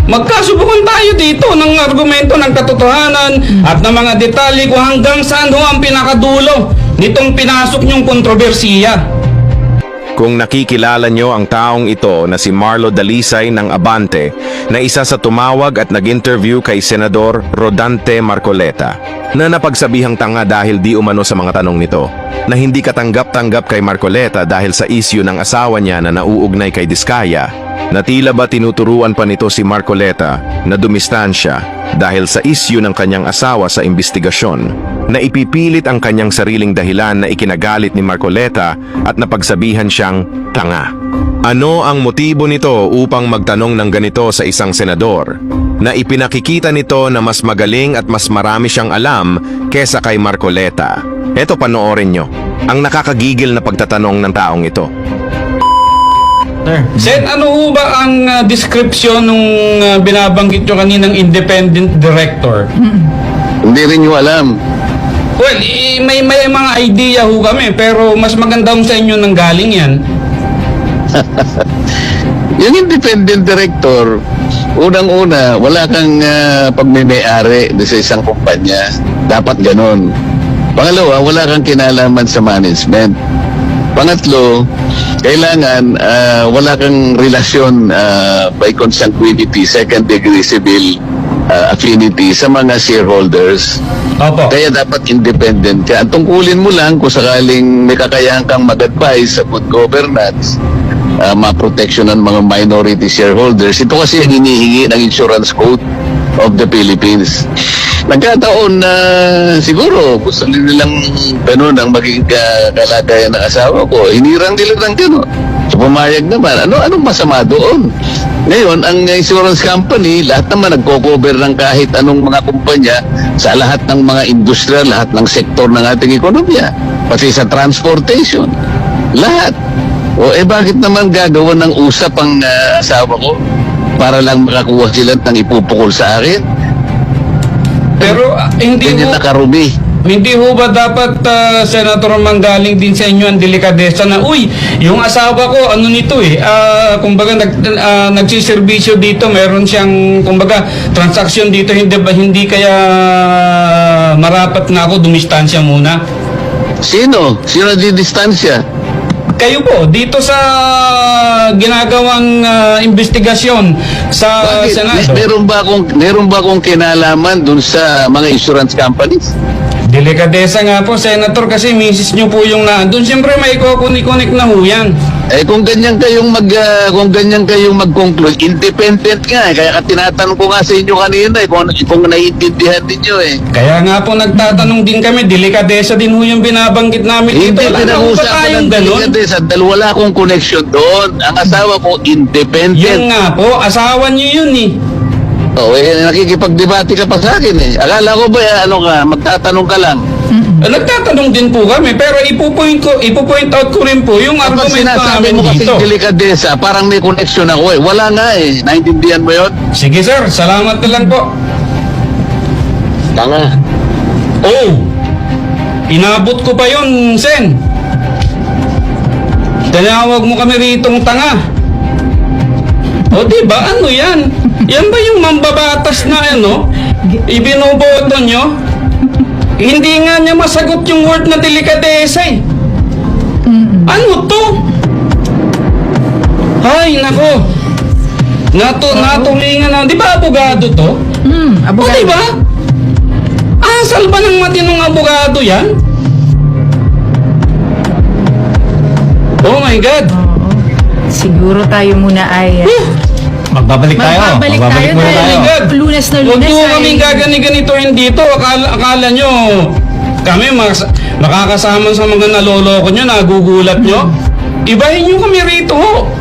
magkasubukan tayo dito ng argumento ng katotohanan at ng mga detalye kung hanggang saan ho ang pinakadulo nitong pinasok niyong kontrobersiya. Kung nakikilala nyo ang taong ito na si Marlo Dalisay ng Abante na isa sa tumawag at nag-interview kay Senador Rodante Marcoleta na napagsabihang tanga dahil di umano sa mga tanong nito, na hindi katanggap-tanggap kay Marcoleta dahil sa isyu ng asawa niya na nauugnay kay Diskaya, na tila ba tinuturuan pa nito si Marcoleta na dumistansya dahil sa isyu ng kanyang asawa sa investigasyon, na ipipilit ang kanyang sariling dahilan na ikinagalit ni Marcoleta at napagsabihan siyang tanga. Ano ang motibo nito upang magtanong ng ganito sa isang senador, na ipinakikita nito na mas magaling at mas marami siyang alam kesa kay Marcoleta? Eto, panoorin nyo ang nakakagigil na pagtatanong ng taong ito. Sen, ano ho ba ang description nung binabanggit nyo kaninang independent director? Hindi rin nyo alam. Well, may mga idea ho kami, pero mas maganda ho sa inyo nang galing yan. Yung independent director, unang-una, wala kang pagmimay-ari sa isang kumpanya. Dapat ganon. Pangalawa, wala kang kinalaman sa management. Pangatlo, kailangan wala kang relasyon by consanguinity, second degree civil affinity sa mga shareholders. Opo. Kaya dapat independent ka. Ang tungkulin mo lang kung sakaling may kakayahan kang mag-advise sa good governance, ma-protection ng mga minority shareholders. Ito kasi ang hinihingi ng Insurance Code of the Philippines. Nagkataon na siguro gusto nilang ganun ang maging kalagayan ng asawa ko. Hinirang nila ng ganun. So pumayag naman. Anong masama doon? Ngayon, ang insurance company, lahat naman nagko-cover ng kahit anong mga kumpanya sa lahat ng mga industriya, lahat ng sektor ng ating ekonomiya. Pati sa transportation. Lahat. O bakit naman gagawa ng usap ang asawa ko para lang makakuha sila ng ipupukol sa akin? Pero Ganyan nakarumi. hindi ho ba dapat, Senator, manggaling din sa inyo ang delikadesa na, uy, yung asawa ko, ano nito kumbaga nagsiservisyo dito, meron siyang, kumbaga, transaksyon dito, hindi kaya marapat na ako dumistansya muna? Sino di distansya? Kayo po, dito sa ginagawang investigasyon sa Bakit? Senado. Meron ba akong kinalaman dun sa mga insurance companies? Delikadesa nga po, Senator, kasi misis nyo po yung nandun. Siyempre, may kukunik-kunik na ho yan. Kung ganyan kayong mag-conclude, independent nga. Kaya tinatanong ko nga sa inyo kanina kung naiintindihan ninyo Kaya nga po nagtatanong din kami, delikadesa din ho yung binabanggit namin dito. Hindi Wala na ho ba pinag-usapan tayong ng ganun? delikadesa dahil wala akong connection doon. Ang asawa ko, independent. Yun nga po, asawa nyo yun Nakikipagdebate ka pa sa akin Akala ko ba, magtatanong ka lang. Nagtatanong din po kami, pero ipo-point out ko rin po yung Kapag argumento sinasabi namin mo kasi dito. delikadesa, parang may connection ako Wala nga Naintindihan mo yun? Sige sir, salamat na lang po. Tanga. Oh, inabot ko pa yun, Sen. Tinawag mo kami ritong tanga. O diba, ano yan? Yan ba yung mambabatas na ibinoboto nyo? Hindi nga niya masagot yung word na delikadesa Ano to? Ay, nako. Natulingan na. Di ba abogado to? Abogado. O diba? Asal ba ng matinong abogado yan? Oh my God. Siguro tayo muna ay Magbabalik tayo. magbabalik tayo muna dahil lunes na Huwag lunes po ay kaming gagani-ganitoin dito. Akala nyo, kami makakasama sa mga naloloko nyo, nagugulat nyo. Ibahin nyo kami rito ho.